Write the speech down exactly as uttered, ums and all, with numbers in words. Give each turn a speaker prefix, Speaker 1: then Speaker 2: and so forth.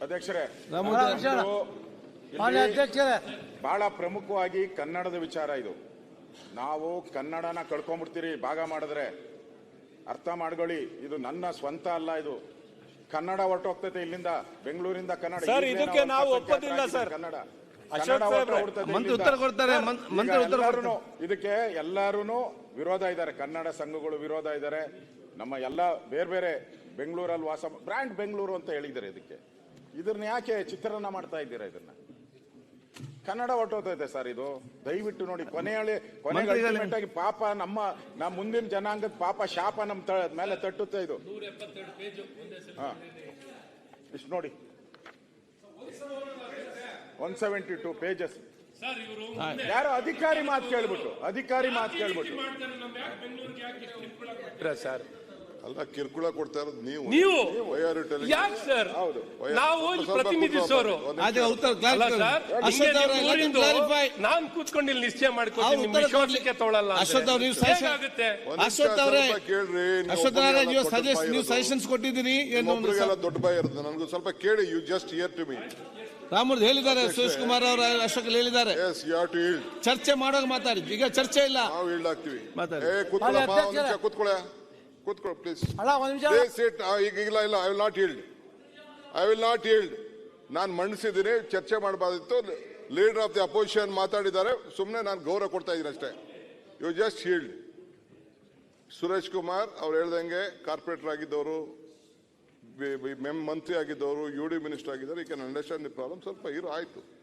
Speaker 1: ಅಧ್ಯಕ್ಷರೇ,
Speaker 2: ಅಧ್ಯಕ್ಷರೇ,
Speaker 1: ಬಹಳ ಪ್ರಮುಖವಾಗಿ ಕನ್ನಡದ ವಿಚಾರ ಇದು. ನಾವು ಕನ್ನಡನ ಕಳ್ಕೊಂಡ್ಬಿಡ್ತೀರಿ ಭಾಗ ಮಾಡಿದ್ರೆ. ಅರ್ಥ ಮಾಡ್ಕೊಳ್ಳಿ, ಇದು ನನ್ನ ಸ್ವಂತ ಅಲ್ಲ, ಇದು ಕನ್ನಡ ಹೊರಟೋಗ್ತೈತೆ ಇಲ್ಲಿಂದ, ಬೆಂಗಳೂರಿಂದ ಕನ್ನಡ.
Speaker 3: ಸರ್, ಇದಕ್ಕೆ ನಾವು ಒಪ್ಪೋದಿಲ್ಲ ಸರ್.
Speaker 1: ಕನ್ನಡ
Speaker 2: ಉತ್ತರ ಕೊಡ್ತಾರೆ.
Speaker 1: ಇದಕ್ಕೆ ಎಲ್ಲಾರು ವಿರೋಧ ಇದ್ದಾರೆ, ಕನ್ನಡ ಸಂಘಗಳು ವಿರೋಧ ಇದ್ದಾರೆ. ನಮ್ಮ ಎಲ್ಲ ಬೇರೆ ಬೇರೆ ಬೆಂಗಳೂರಲ್ಲಿ ವಾಸ ಬ್ರ್ಯಾಂಡ್ ಬೆಂಗಳೂರು ಅಂತ ಹೇಳಿದ್ದಾರೆ. ಇದಕ್ಕೆ ಇದನ್ನ ಯಾಕೆ ಚಿತ್ರಣ ಮಾಡ್ತಾ ಇದ್ದೀರಾ? ಇದನ್ನ ಕನ್ನಡ ಹೊರಟೋತೈತೆ ಸರ್. ಇದು ದಯವಿಟ್ಟು ನೋಡಿ. ಕೊನೆಯಲ್ಲಿ ಕೊನೆಗೆ ಅಲ್ಟಿಮೇಟ್ ಆಗಿ ಪಾಪ ನಮ್ಮ ನಮ್ಮ ಮುಂದಿನ ಜನಾಂಗದ ಪಾಪ ಶಾಪ ನಮ್ಮ ಮೇಲೆ ತಟ್ಟುತ್ತೆ ಇದು. ಹಾ, ಇಷ್ಟು ನೋಡಿ, ಒನ್ ಸೆವೆಂಟಿ ಟೂ ಪೇಜಸ್. ಯಾರೋ ಅಧಿಕಾರಿ ಮಾತು ಕೇಳ್ಬಿಟ್ಟು ಅಧಿಕಾರಿ ಮಾತು ಕೇಳ್ಬಿಟ್ಟು
Speaker 3: ಸರ್
Speaker 4: ಅಲ್ಲ, ಕಿರುಕುಳ ಕೊಡ್ತಾ ಇರೋದು ನೀವು
Speaker 3: ನೀವು
Speaker 4: ನೀವು
Speaker 3: ಯಾಕೆ ಸರ್?
Speaker 1: ಹೌದು,
Speaker 3: ನಾವು ಪ್ರತಿನಿಧಿಸೋರು ನಾನ್ ಕೂತ್ಕೊಂಡು ಇಲ್ಲಿ ನಿಶ್ಚಯ ಮಾಡ್ಕೊತೀನಿ. ನಿಮ್ಮ ವಿಶ್ವಾಸಕ್ಕೆ ತೊಗೊಳಲ್ಲ.
Speaker 2: ಅಶ್ವಥ್ ಅವ್ರು ನೀವು ಅಶ್ವಥ್ ಅವರೇ
Speaker 4: ಕೇಳ್ರಿ.
Speaker 2: ಅಶ್ವಥ್ ಅವರೇ ನೀವು ಸಜೆಸ್ಟ್ ನೀವು ಸಜೆಷನ್ಸ್ ಕೊಟ್ಟಿದ್ದೀರಿ.
Speaker 4: ದೊಡ್ಡ ಬಾಯಿ ಇರುತ್ತೆ. ನನಗೂ ಸ್ವಲ್ಪ ಕೇಳಿ. You just hear to me.
Speaker 2: ರಾಮೂರ್ದು ಹೇಳಿದ್ದಾರೆ, ಸುರೇಶ್ ಕುಮಾರ್ ಅವರು ಅಶೋಕ್ ಹೇಳಿದ್ದಾರೆ.
Speaker 4: Yes you have to yield.
Speaker 2: ಚರ್ಚೆ ಮಾಡೋಕೆ ಮಾತಾಡಿ. ಈಗ ಚರ್ಚೆ ಇಲ್ಲ,
Speaker 4: ನಾವು ಈಲ್ಡ್ ಆಗ್ತೀವಿ.
Speaker 2: ಮಾತಾಡಿ.
Speaker 4: ಏ ಕೂತ್ಕೊಳ್ಳಪ್ಪ, ಒಂದು ನಿಮಿಷ ಕೂತ್ಕೊಳ್ಳ ಕೂತ್ಕೊಳ್ಳಿ ಪ್ಲೀಸ್. Please sit. ಈಗ ಇಲ್ಲ ಇಲ್ಲ, I will not yield. I will not yield. ನಾನು ಮಂಡಿಸಿದ್ದೀನಿ, ಚರ್ಚೆ ಮಾಡಬಾರ್ದಿತ್ತು. ಲೀಡರ್ ಆಫ್ ದಿ ಅಪೋಸಿಷನ್ ಮಾತಾಡಿದ್ದಾರೆ, ಸುಮ್ಮನೆ ನಾನು ಗೌರವ ಕೊಡ್ತಾ ಇದ್ದೀನಿ ಅಷ್ಟೇ. You just yield. Suresh Kumar ಅವ್ರು ಹೇಳ್ದಂಗೆ ಕಾರ್ಪೊರೇಟರ್ ಆಗಿದ್ದವರು, ಮಂತ್ರಿ ಆಗಿದ್ದವರು, ಯು ಡಿ ಮಿನಿಸ್ಟರ್ ಆಗಿದ್ದಾರೆ. ಈ ಕ್ಯಾನ್ ಅಂಡರ್ಸ್ಟ್ಯಾಂಡ್ ದಿ ಪ್ರಾಬ್ಲಮ್. ಸ್ವಲ್ಪ ಇರು, ಆಯ್ತು.